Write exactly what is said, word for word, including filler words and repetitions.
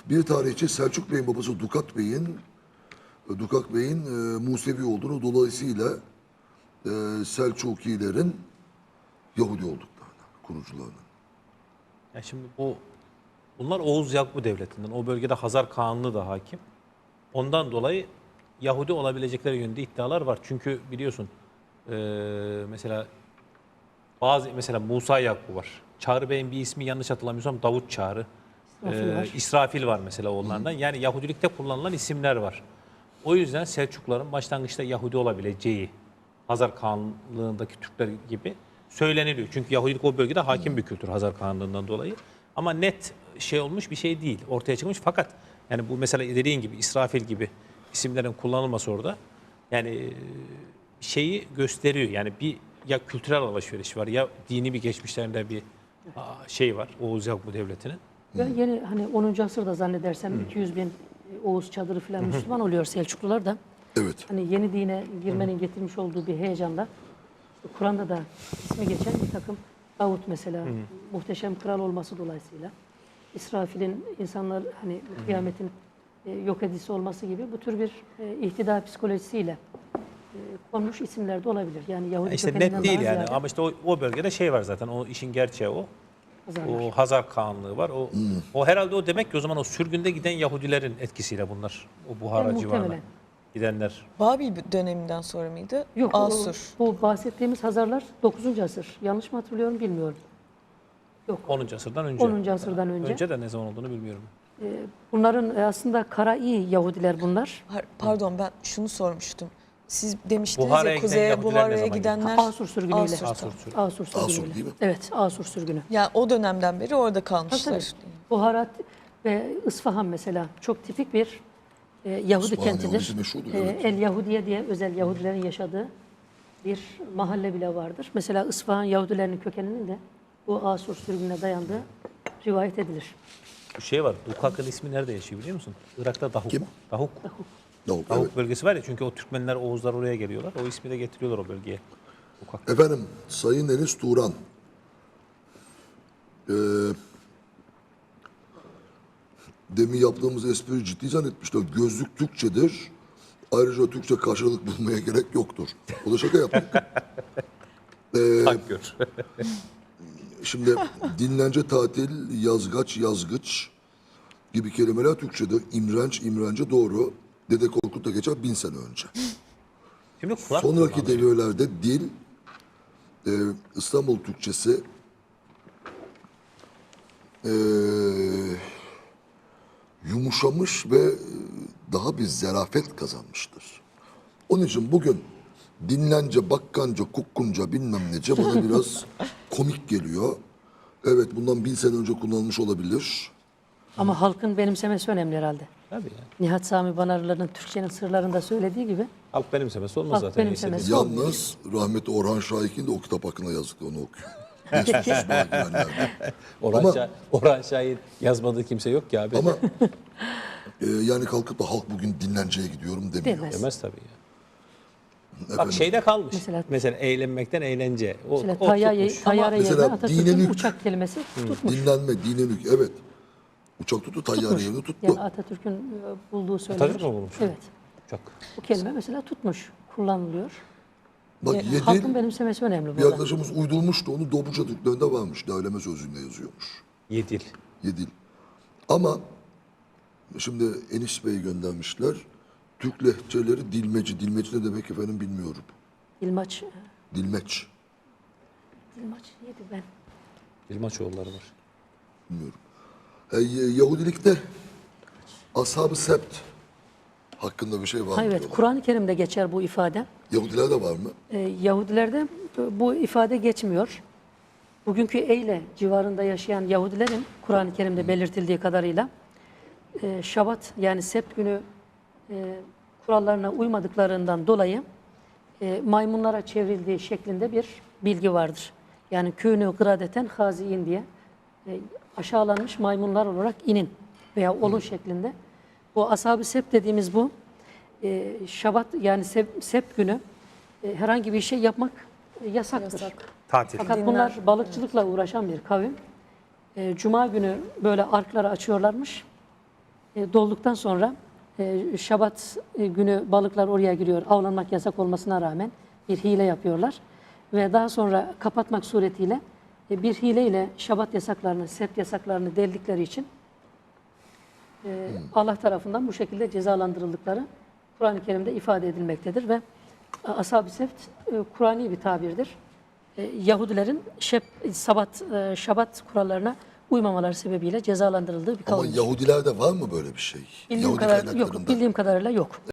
Bir tarihçi Selçuk Bey'in babası Dukat Bey'in Dukak Bey'in e, Musevi olduğunu, dolayısıyla e, Selçukilerin Yahudi olduklarını, kurucularının. Ya şimdi bu bunlar Oğuz Yakubu Devleti'nden. O bölgede Hazar Kağanlığı da hakim. Ondan dolayı Yahudi olabilecekleri yönünde iddialar var. Çünkü biliyorsun e, mesela bazı mesela Musa Yakubu var. Çağrı Bey'in bir ismi yanlış hatırlamıyorsam Davut Çağrı. İsrafil Ee, var. İsrafil var mesela onlardan. Yani Yahudilikte kullanılan isimler var. O yüzden Selçukluların başlangıçta Yahudi olabileceği Hazar Kağanlığındaki Türkler gibi söyleniliyor. Çünkü Yahudilik o bölgede hakim bir kültür Hazar Kağanlığından dolayı. Ama net şey olmuş bir şey değil. Ortaya çıkmış fakat yani bu mesela dediğin gibi İsrafil gibi isimlerin kullanılması orada yani şeyi gösteriyor. Yani bir ya kültürel alışveriş var ya dini bir geçmişlerinde bir şey var Oğuz Yakubu Devleti'nin. Ve yeni hani onuncu asırda zannedersem iki yüz bin Oğuz çadırı falan Müslüman oluyor Selçuklular da. Evet. Hani yeni dine girmenin getirmiş olduğu bir heyecanla Kur'an'da da ismi geçen bir takım Davut mesela muhteşem kral olması dolayısıyla İsrafil'in insanlar hani kıyametin e, yok edisi olması gibi bu tür bir e, ihtida psikolojisiyle e, konmuş isimler de olabilir. Yani Yahudi İşte kökeninden net değil daha yani ziyade ama işte o, o bölgede şey var zaten o işin gerçeği o. Hazarlar. O Hazar Kağanlığı var. O o herhalde o demek ki o zaman o sürgünde giden Yahudilerin etkisiyle bunlar. O Buhara Yani civarına muhtemelen. gidenler. Babil döneminden sonra mıydı? Yok, o- Asur. bu bahsettiğimiz Hazarlar dokuzuncu asır. Yanlış mı hatırlıyorum bilmiyorum. Yok. onuncu asırdan önce. onuncu asırdan önce. Önce de ne zaman olduğunu bilmiyorum. Bunların e, aslında Kara'i Yahudiler bunlar. Har- Pardon ben şunu sormuştum. Siz demiştiniz Buhara'ya ya giden kuzeye Yahudiler ne Buhara'ya zaman gidenler Asur sürgünüyle. Asur, Asur tamam. sürgünü. Asur sürgünüyle. Asur değil mi? Evet, Asur sürgünü. Yani o dönemden beri orada Tabii, kalmışlar. tabii. Buharat ve İsfahan mesela çok tipik bir e, Yahudi İsfahan kentidir. Yahudisi meşhurdur, E, evet. El Yahudiye diye özel Yahudilerin yaşadığı bir mahalle bile vardır. Mesela İsfahan Yahudilerinin kökeninin de bu Asur sürgününe dayandığı rivayet edilir. Bir şey var. Dukak'ın ismi nerede yaşıyor biliyor musun? Irak'ta Dahuk. Kim? Dahuk. Davut, Dahuk evet. bölgesi var ya çünkü o Türkmenler, Oğuzlar oraya geliyorlar. O ismi de getiriyorlar o bölgeye. Dukak. Efendim, Sayın Enis Turan. Ee, demin yaptığımız espri ciddi zannetmişler. Gözlük Türkçedir. Ayrıca Türkçe karşılık bulmaya gerek yoktur. O da şaka yaptık. Tak gör. Şimdi dinlence, tatil, yazgaç, yazgıç gibi kelimeler Türkçe'de. İmrenç, imrence doğru. Dede Korkut da geçer bin sene önce. Şimdi kulak Sonraki kullanıyor. devirlerde dil, e, İstanbul Türkçesi, e, yumuşamış ve daha bir zarafet kazanmıştır. Onun için bugün dinlence, bakkanca, kukkunca bilmem nece bana biraz komik geliyor. Evet bundan bin sene önce kullanılmış olabilir. Ama halkın benimsemesi önemli herhalde. Tabii ya. Nihat Sami Banarlı'nın Türkçenin sırlarında söylediği gibi Halk benimsemesi olmaz Halk zaten. benimsemesi. neyse. Yalnız rahmetli Orhan Şahik'in de o kitap hakkında yazdıklarını okuyor. İstisna girenlerde. Orhan, Ama- Şah, Orhan Şah'ın yazmadığı kimse yok ki abi. Ama e, yani kalkıp da halk bugün dinlenceye gidiyorum demiyor. Demez. Demez tabii ya. Bak Efendim, şeyde kalmış. Mesela, Mesela- eğlenmekten eğlence. O, mesela o tayyare, tutmuş. tayyare yerine Mesela Atatürk'ün dinlenük- uçak kelimesi tutmuş. dinlenme, dinlenük evet. Uçak tuttu, tayyare yerini tuttu. Yani Atatürk'ün e, bulduğu söylenir. Atatürk mü bulmuş? Evet. Çok. Bu kelime mesela tutmuş, kullanılıyor. Bak E, halkın Yedil, benimsemesi önemli bir burada. arkadaşımız uydurmuştu, onu Dobruca Türklerinde varmış. Değerleme sözlüğünde yazıyormuş. Yedil. Yedil. Ama şimdi Enis Bey göndermişler. Türk lehçeleri dilmeci. Dilmeci ne demek efendim bilmiyorum. Dilmaç, Dilmeç. Dilmaç neydi ben? Dilmaçoğulları var. Bilmiyorum. E, Yahudilikte Ashab-ı Sebt hakkında bir şey var mı? Ha, evet, diyorlar. Kur'an-ı Kerim'de geçer bu ifade. Yahudilerde var mı? Ee, Yahudilerde bu ifade geçmiyor. Bugünkü Eyle civarında yaşayan Yahudilerin Kur'an-ı Kerim'de belirtildiği kadarıyla e, Şabat yani Sebt günü e, kurallarına uymadıklarından dolayı e, maymunlara çevrildiği şeklinde bir bilgi vardır. Yani künü gradeten haziin diye e, aşağılanmış maymunlar olarak inin veya olun şeklinde. Bu ashab-ı sebt dediğimiz bu e, Şabat yani Sebt, Sebt günü e, herhangi bir şey yapmak e, yasaktır. Yasak. Tatil. Fakat Dinler. bunlar balıkçılıkla uğraşan bir kavim. E, Cuma günü böyle arkları açıyorlarmış. e, dolduktan sonra e, Şabat e, günü balıklar oraya giriyor. Avlanmak yasak olmasına rağmen bir hile yapıyorlar. Ve daha sonra kapatmak suretiyle e, bir hileyle Şabat yasaklarını, sept yasaklarını deldikleri için e, Allah tarafından bu şekilde cezalandırıldıkları Kur'an-ı Kerim'de ifade edilmektedir ve e, Ashab-ı Sebt e, Kur'ani bir tabirdir. E, Yahudilerin şep, sabat, e, Şabat kurallarına uymamaları sebebiyle cezalandırıldığı bir Ama kavimdir. Yahudilerde var mı böyle bir şey? Bildiğim, Yahudi kadar, yok, kaynaklarında. bildiğim kadarıyla yok.